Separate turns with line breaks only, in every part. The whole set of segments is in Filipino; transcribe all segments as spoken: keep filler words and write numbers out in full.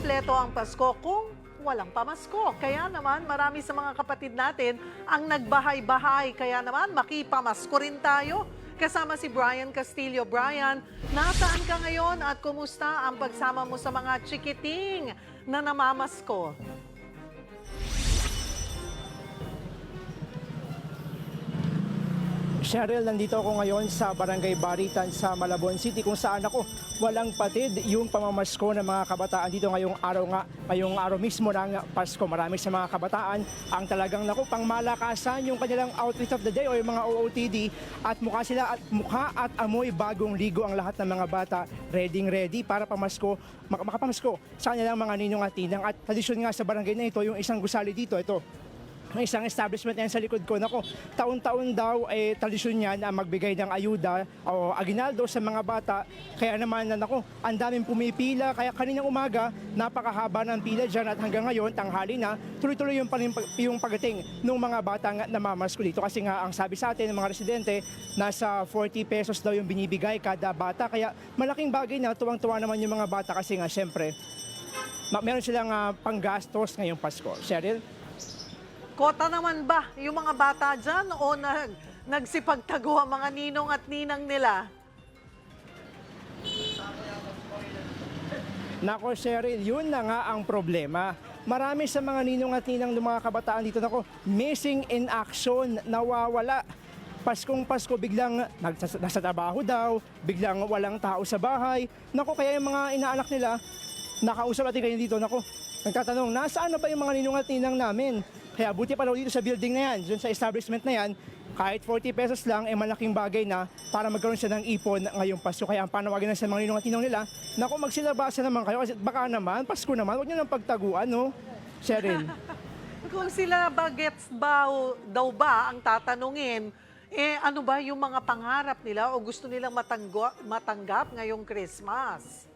kumpleto ang Pasko kung walang pamasko. Kaya naman marami sa mga kapatid natin ang nagbahay-bahay. Kaya naman makipamasko rin tayo. Kasama si Brian Castillo. Brian, nasaan ka ngayon at kumusta ang pagsama mo sa mga chikiting na namamasko?
Cheryl, nandito ako ngayon sa Barangay Baritan sa Malabon City kung saan ako walang patid yung pamamasko ng mga kabataan dito ngayong araw nga, ngayong araw mismo ng Pasko. Marami sa mga kabataan ang talagang naku pang malakasan yung kanilang outfit of the day o yung mga O O T D at mukha sila at mukha at amoy bagong ligo ang lahat ng mga bata ready ready para pamasko, mak makapamasko sa kanilang mga ninong at tinang. At tradisyon nga sa barangay na ito yung isang gusali dito, ito. May isang establishment yan sa likod ko. Nako, taon-taon daw eh, tradisyon niya na magbigay ng ayuda o aginaldo sa mga bata. Kaya naman, nako, ang daming pumipila. Kaya kaninang umaga, napakahaba ng pila dyan at hanggang ngayon, tanghali na, tuloy-tuloy yung, yung pagdating ng mga batang namamasko dito. Kasi nga, ang sabi sa atin ng mga residente, nasa forty pesos daw yung binibigay kada bata. Kaya malaking bagay na, tuwang-tuwa naman yung mga bata kasi nga, syempre, meron silang uh, panggastos ngayong Pasko. Cheryl?
Kota naman ba yung mga bata dyan o nag, nagsipagtago ang mga ninong at ninang nila?
Nako, Cheryl, yun na nga ang problema. Marami sa mga ninong at ninang ng mga kabataan dito, nako, missing in action, nawawala. Paskong Pasko, biglang nasa, nasa trabaho daw, biglang walang tao sa bahay. Nako, kaya yung mga inaanak nila, nakausap natin kayo dito, nako, nagtatanong, nasaan na ba yung mga ninong at ninang namin? Kaya buti pa daw dito sa building na yan, dun sa establishment na yan, kahit forty pesos lang, eh malaking bagay na para magkaroon siya ng ipon ngayong Pasko. Kaya ang panawagan na sa mga ninong at ninong nila, naku, magsilabasa naman kayo kasi baka naman, Pasko naman, huwag nyo nang pagtaguan, no? Cheryl.
Kung sila bagets ba daw ba ang tatanungin, eh ano ba yung mga pangarap nila o gusto nilang matanggo, matanggap ngayong Christmas?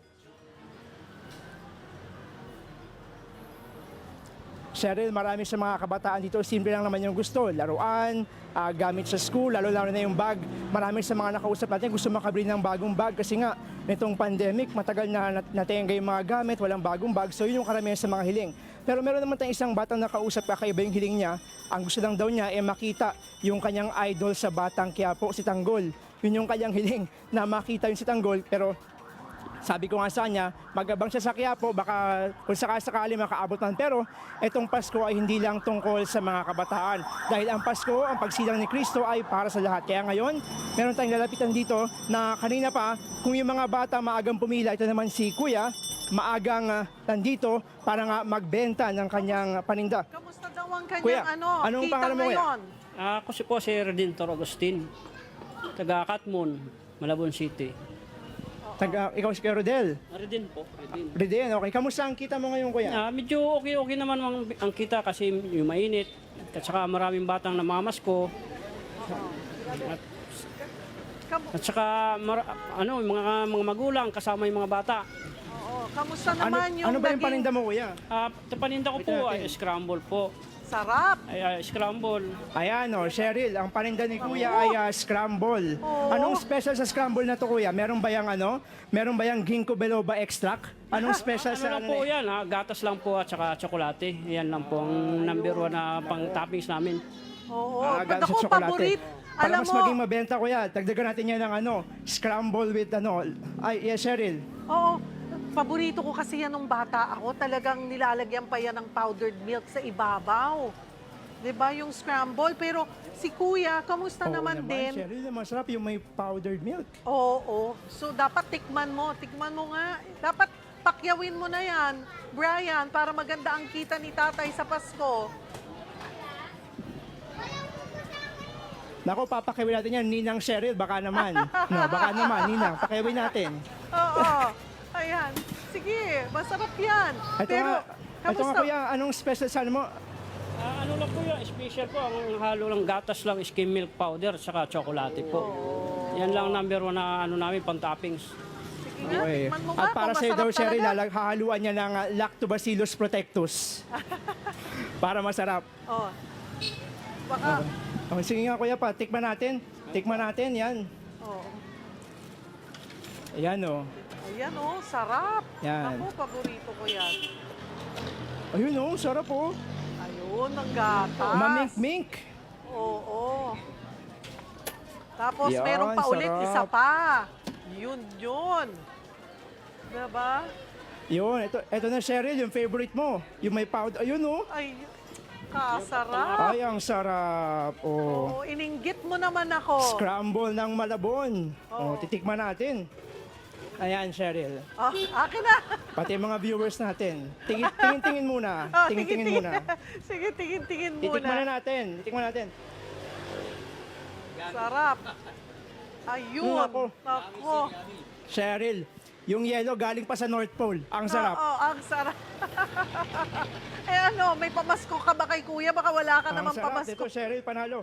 Cheryl, marami sa mga kabataan dito, simple lang naman yung gusto. Laruan, uh, gamit sa school, lalo-lalo na yung bag. Marami sa mga nakausap natin gusto makabili ng bagong bag kasi nga, nitong pandemic, matagal na natenga yung mga gamit, walang bagong bag. So yun yung karamihan sa mga hiling. Pero meron naman tayong isang batang nakausap, kakaiba yung hiling niya. Ang gusto lang daw niya ay makita yung kanyang idol sa Batang Quiapo, si Tanggol. Yun yung kanyang hiling, na makita yung si Tanggol. Pero sabi ko nga sa kanya, mag-abang siya sa Quiapo, baka kung sakasakali makaabot man. Pero itong Pasko ay hindi lang tungkol sa mga kabataan. Dahil ang Pasko, ang pagsilang ni Kristo ay para sa lahat. Kaya ngayon, meron tayong lalapitan dito na kanina pa, kung yung mga bata maagang pumila, ito naman si Kuya, maagang uh, nandito para nga magbenta ng kanyang paninda.
Kamusta daw ang kanyang
Kuya,
ano,
anong
kita
pangalan mo, Kuya?
ngayon?
Ah, ako si po si Redentor Agustin, taga Katmon, Malabon City.
Taga, ikaw si Kuya Rodel.
Reden po, Reden.
Reden, okay. Kamusta ang kita mo ngayon, Kuya?
Ah, medyo okay-okay naman ang, ang kita kasi yung mainit at saka maraming batang namamasko. At,
Kam-
at saka mar, ano, yung mga mga magulang kasama yung mga bata.
Oo, kamusta
Ano,
naman yung
ano ba yung
naging
paninda mo, Kuya?
Ah, paninda ko
Wait
po
natin.
ay scramble po.
sarap?
Ay, ay scramble.
Ayan o, Cheryl, ang paninda ni Kuya ay uh, scramble.
Oo.
Anong special sa scramble na to, Kuya? Meron ba yung ano? Meron ba yung ginkgo biloba extract? Anong special
Ano
sa
lang
ano?
po
na-
yan, ha? Gatas lang po at saka tsokolate. Yan lang po ang number one na pang toppings namin.
Oo,
Ah,
pag
gatas
ako
at tsokolate.
paborit.
Para
Alam
mas
mo,
maging mabenta, Kuya, dagdagan natin yan ng ano, scramble with ano. Ay, yes, Cheryl.
oo, paborito ko kasi yan nung bata ako. Talagang nilalagyan pa yan ng powdered milk sa ibabaw. 'Di ba yung scramble? Pero si Kuya, kamusta
Oo
naman, din?
Cheryl, masarap yung may powdered milk.
Oo, oo. So dapat tikman mo, tikman mo nga. Dapat pakyawin mo na yan, Brian, para maganda ang kita ni Tatay sa Pasko.
Nako, papakiwin natin yan, Ninang Cheryl, baka naman. No, baka naman, Ninang, pakiwin natin.
Oo. Ayan. Sige, masarap yan.
Ito
Pero,
nga, ito nga,
kamusta?
Kuya, anong special sa ano mo?
Ah, ano lang po yun, special po, ang halo lang gatas lang, skim milk powder, saka tsokolate po. Yan lang number one na ano namin, pang toppings.
Sige nga,
Okay.
tikman mo nga
At para
kung
sa iyo
masarap
daw, Cheryl,
talaga.
lalag, hahaluan niya ng uh, Lactobacillus protectus. Para masarap.
Oh. Baka,
Oh, sige nga, Kuya, pa, tikman natin. Tikman natin, yan.
oh.
Ayan, oh.
Ayan oh, sarap.
Yan.
Ako, paborito ko yan.
Ayun oh, sarap oh.
Ayun, ang gatas.
Mamink-mink.
Oo. Tapos
Yan,
meron pa ulit,
sarap.
isa pa. Yun, yun. Diba?
Yun, ito, ito na Cheryl, yung favorite mo. Yung may powder. Ayun oh.
Ay, kasarap.
Ay, ang sarap. Oh.
Oo, ininggit mo naman ako.
Scramble ng Malabon.
Oo.
Oh, titikman natin. Ayan, Cheryl.
Oh, akin na.
Pati mga viewers natin. Tingin, tingin-tingin muna.
Oh,
Tingin-tingin muna.
Sige, tingin-tingin
Titikman na
muna.
natin. Titikman natin.
Sarap. Ayun.
Nako.
Nako.
Cheryl, yung yellow galing pa sa North Pole. Ang sarap.
Oo, ang sarap. eh ano, may pamasko ka ba kay kuya? Baka wala ka
Ang
namang
sarap.
pamasko.
Ito, Cheryl, panalo.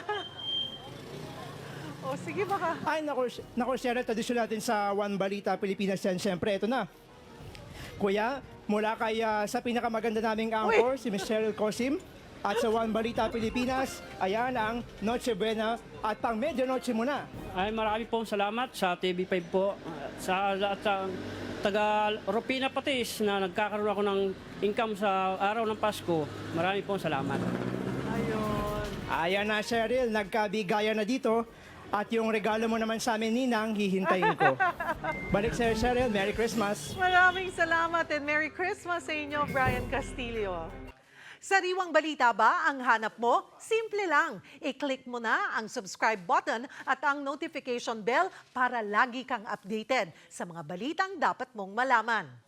O, sige baka.
Ay, naku, naku Cheryl, tradisyon natin sa One Balita Pilipinas yan. Siyempre, ito na. Kuya, mula kay ah, sa pinakamaganda naming anchor, si Miss Cheryl Cosim, at sa One Balita Pilipinas, ayan ang Noche Buena at pang medianoche muna.
Ay, marami pong salamat sa T V five po. Sa, at sa taga Ropina Patis na nagkakaroon ako ng income sa araw ng Pasko. Marami pong salamat.
Ayun.
Ayan na, Cheryl, nagkabigayan na dito. At yung regalo mo naman sa amin, Ninang, hihintayin ko. Balik sa'yo, Cheryl. Merry Christmas.
Maraming salamat and Merry Christmas sa inyo, Brian Castillo. Sariwang balita ba ang hanap mo? Simple lang. I-click mo na ang subscribe button at ang notification bell para lagi kang updated sa mga balitang dapat mong malaman.